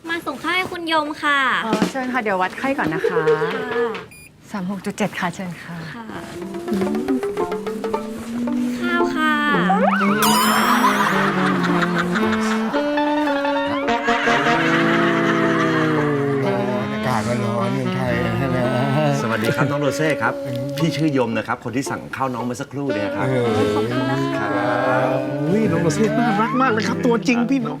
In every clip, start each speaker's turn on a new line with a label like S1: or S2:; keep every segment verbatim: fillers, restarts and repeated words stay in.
S1: มาส่งข้าวให้คุณยมค่ะ
S2: อ๋อเชิญค่ะเดี๋ยววัดไข้ก่อนนะคะสามหกจุดเจ็ดค่ะเชิญค่ะ
S1: ค่ะข้าวค่ะ
S3: อากาศมันร้อนเมืองไทยใช่ไหม
S4: สวัสดีครับน้องโรเซ่ครับพี่ชื่อยมนะครับคนที่สั่งข้าวน้องเมื่อสักครู่เนี่ยครับ
S1: ขอบคุณนะคะ
S3: อุ้ยน้องโรเซ่น่ารักมากเลยครับตัวจริงพี่น้อง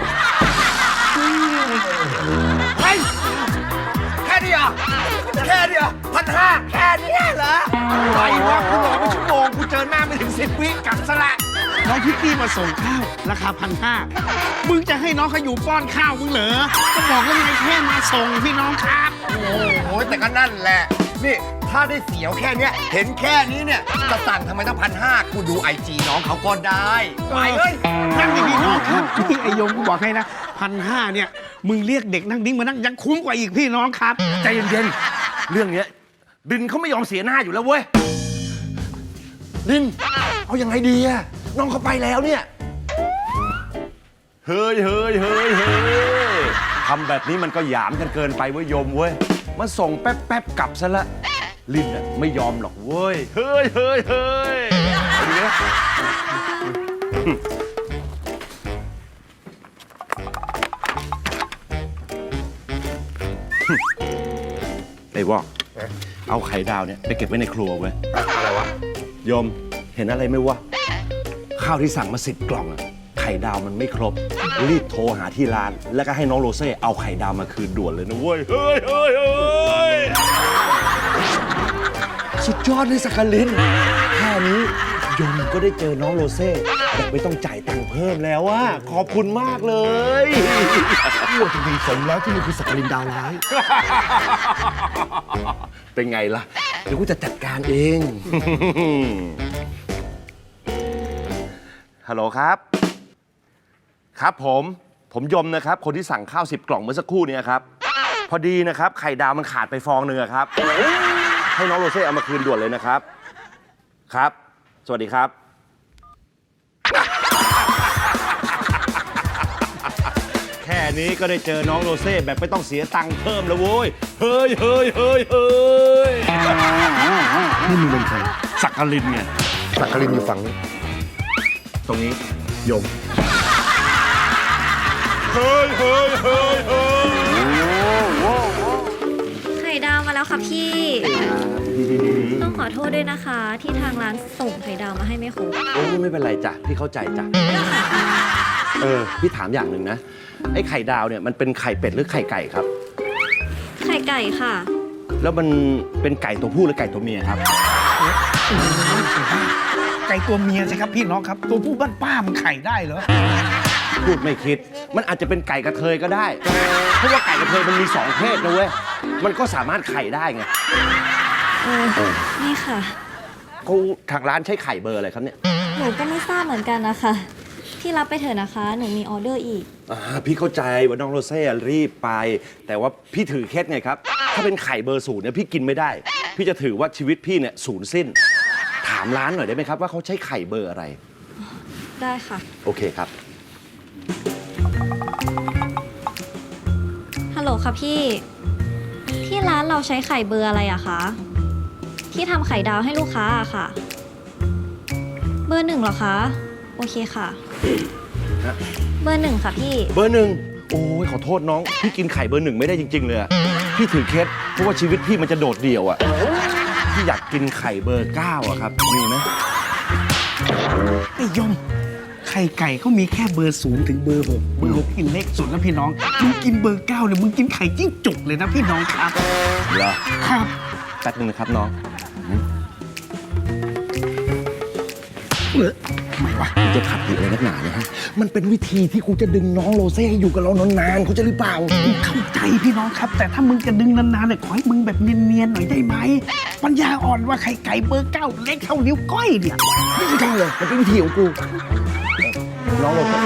S3: เฮ้ยแค่นี้อ่ะแค่นี้อ่ะพันห้าแค่นี้เหรอไรวะกูรอเป็นชั่วโมงกูเจอหน้าไม่ถึงสิบวิกลับซะละน้องพิตตี้มาส่งข้าวราคาพันห้ามึงจะให้น้องเขาอยู่ป้อนข้าวมึงเหรอก็บอกว่าไงแค่มาส่งพี่น้องครับโอ้โหแต่ก็นั่นแหละนี่ถ้าได้เสียวแค่เนี้ยเห็นแค่นี้เนี่ยจะสั่งทำไมต้องพันห้ากูดูไอจีน้องเขาก็ได้ไปเลยนั่งดีๆน้องครับพี่ไอยงกูบอกให้นะพันห้าเนี่ยมึงเรียกเด็กนั่งดิ้งมานั่งยังคุ้มกว่าอีกพี่น้องครับใจเย็นๆเรื่องเนี้ยดินเขาไม่ยอมเสียหน้าอยู่แล้วเว้ยดินเอายังไงดีอะน้องเขาไปแล้วเนี่ย
S4: เฮ้ยเฮ้ยเฮ้ยเฮ้ยทำแบบนี้มันก็หยามกันเกินไปเว้ยยมเว้ยมันส่งแป๊บแป๊บกลับซะละลินน่ะไม่ยอมหรอกเว้ยเฮ้ยเฮ้ยเฮ้ยเอาดีนะไอ้วอกเอาไข่ดาวเนี่ยไปเก็บไว้ในครัวเว้ยอะไรวะยมเห็นอะไรไหมวะข้าวที่สั่งมาสิบกล่องอะไข่ดาวมันไม่ครบรีบโทรหาที่ร้านแล้วก็ให้น้องโรเซ่เอาไข่ดาวมาคืนด่วนเลยนะเว้ยเฮ้ยเฮ้ยเฮ้ยสุดยอดเลยสักกลินแค่นี้ยมก็ได้เจอน้องโรเซ่แบบไม่ต้องจ่ายตังค์เพิ่มแล้วอะขอบคุณมากเลย
S3: พูดจริงๆสมแล้วที่มันคือสักกลินดาวร้าย
S4: เป็นไงล่ะเดี๋ยวกูจะจัดการเอง ฮัลโหลครับ ครับผม ผมยมนะครับ คนที่สั่งข้าวสิบกล่องเมื่อสักครู่นี้ครับ พอดีนะครับไข่ดาวมันขาดไปฟองหนึ่งครับ ให้น้องโรเซ่เอามาคืนด่วนเลยนะครับ ครับ สวัสดีครับ แค่นี้ก็ได้เจอน้องโรเซ่แบบไม่ต้องเสียตังค์เพิ่มแล้วโว้ย เฮ้ยเฮ้ยเฮ้ยเฮ้ย
S3: นี่มึงเป็นใคร
S4: สักกลินไง
S3: สักกลินอยู่ฝั่งนี้
S4: ตรงนี้ยมเฮ้ยเฮ้ยเฮ้ยเฮ้ย
S1: ไข่ดาวมาแล้วค่ะพี่ต้องขอโทษด้วยนะคะ ที่ทางร้านส่งไข่ดาวมาให้ไม่ครบ
S4: โอ้ไม่เป็นไรจ้ะพี่เข้าใจจ้ะเออพี่ถามอย่างหนึ่งนะไอ้ไข่ดาวเนี่ยมันเป็นไข่เป็ดหรือไข่ไก่ครับ
S1: ไข่ไก่ค่ะ
S4: แล้วมันเป็นไก่ตัวผู้หรือไก่ตัวเมียครับ
S3: ไก่ตัวเมียสิครับพี่น้องครับตัวผู้บ้านป้ามันไข่ได้เหรอ
S4: พูดไม่คิดมันอาจจะเป็นไก่กระเทยก็ได้เพราะว่าไก่กระเทยมันมีสองเพศนะเว้ยมันก็สามารถไข่ได้ไง
S1: เออนี่ค่ะ
S4: เขาทางร้านใช้ไข่เบอร์อะไรครับเนี่ย
S1: หนูก็ไม่ทราบเหมือนกันนะคะพี่รับไปเถอะนะคะหนูมีออเดอร์อีก
S4: อ่าพี่เข้าใจว่าน้องโรเซ่รีบไปแต่ว่าพี่ถือเคล็ดไงครับถ้าเป็นไข่เบอร์ศูนย์เนี่ยพี่กินไม่ได้พี่จะถือว่าชีวิตพี่เนี่ยศูนย์สิ้นถามร้านหน่อยได้ไหมครับว่าเขาใช้ไข่เบอร์อะไร
S1: ได้ค่ะ
S4: โอเคครับ
S1: ฮัลโหลค่ะพี่ที่ร้านเราใช้ไข่เบอร์อะไรอะคะที่ทำไข่ดาวให้ลูกค้าอะค่ะเบอร์หนึ่งเหรอคะโอเคค่ะเบอร์หนึ่งค่ะพี่
S4: เบอร์หนึ่งโอ้ยขอโทษน้องพี่กินไข่เบอร์หนึ่งไม่ได้จริงๆเลยพี่ถือเคล็ดเพราะว่าชีวิตพี่มันจะโดดเดี่ยวอะพี่อยากกินไข่เบอร์เก้าอะครับมีไหม
S3: ไอ้ยมไข่ไก่เขามีแค่เบอร์ศูนย์ถึงเบอร์หกเบอร์หกกินเล็กสุดแล้วพี่น้องมึงกินเบอร์เก้าเนี่ยมึงกินไข่จิ้งจกเลยนะพี่น้องครับ
S4: เหรอ
S3: ครับ
S4: แป๊บนึงนะครับน้อง
S3: เออทำไมวะ
S4: กูจะขัดอะไรนักหนาเนี่ยฮะมันเป็นวิธีที่กูจะดึงน้องโรเซ่ให้อยู่กับเรานานๆเขาจะหรือเปล่า
S3: เข้าใจพี่น้องครับแต่ถ้ามึงจะดึงนานๆเนี่ยขอให้มึงแบบเนียนๆหน่อยได้ไหมปัญญาอ่อนว่าไข่ไก่เบอร์เก้าเล็กเท่านิ้วก้อยเนี่ย
S4: ไม่ใช่เลยมันเป็นวิธีของกูน้องโรเซ่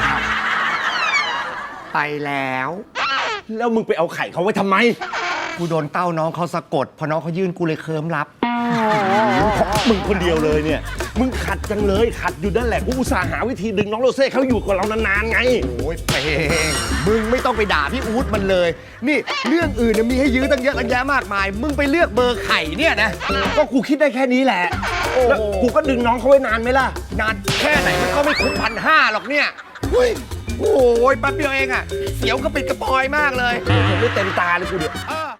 S3: ไปแล้ว
S4: แล้วมึงไปเอาไข่เขาไว้ทำไม
S3: กูโดนเต้าน้องเขาสะกดพอน้องเขายื่นกูเลยเคิมรับ
S4: เพราะมึงคนเดียวเลยเนี่ยมึงขัดจังเลย ขัดอยู่นั่นแหละกูอุตส่าห์หาวิธีดึงน้องโรเซ่เขาอยู่กับเรานานๆไง
S3: โอ้ยเปงมึงไม่ต้องไปด่าพี่อู๊ดมันเลย นี่เรื่องอื่นเนี่ยมีให้ยื้อตั้งเยอะตั้งแยะมากมาย มึงไปเลือกเบอร์ไข่เนี่ยนะ
S4: ก็กูคิดได้แค่นี้แหละ
S3: โอ้โห
S4: แล้วกูก็ดึงน้องเขาไว้นานไหมล่ะ
S3: นานแค่ไหนมันก็ไม่คุ้มพันห้าหรอกเนี่ยเฮ้ยโอ้ยแป๊บเดียวเองอะเสียวกระปิดกระปอยมากเลย
S4: เห็นไม่เต็มตาเลยกูเดี๋ยว
S3: เออ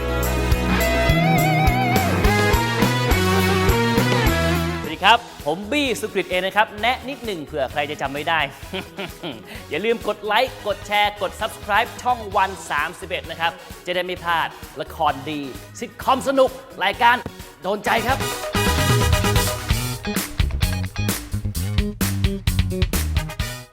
S5: สวัสดีครับ ผมบี้สุกฤตเองนะครับ แนะนิดหนึ่งเผื่อใครจะจำไม่ได้ อย่าลืมกดไลค์ กดแชร์ กด Subscribe ช่องวันสามสิบเอ็ดนะครับ จะได้ไม่พลาดละครดี ซิทคอมสนุก รายการโดนใจครับ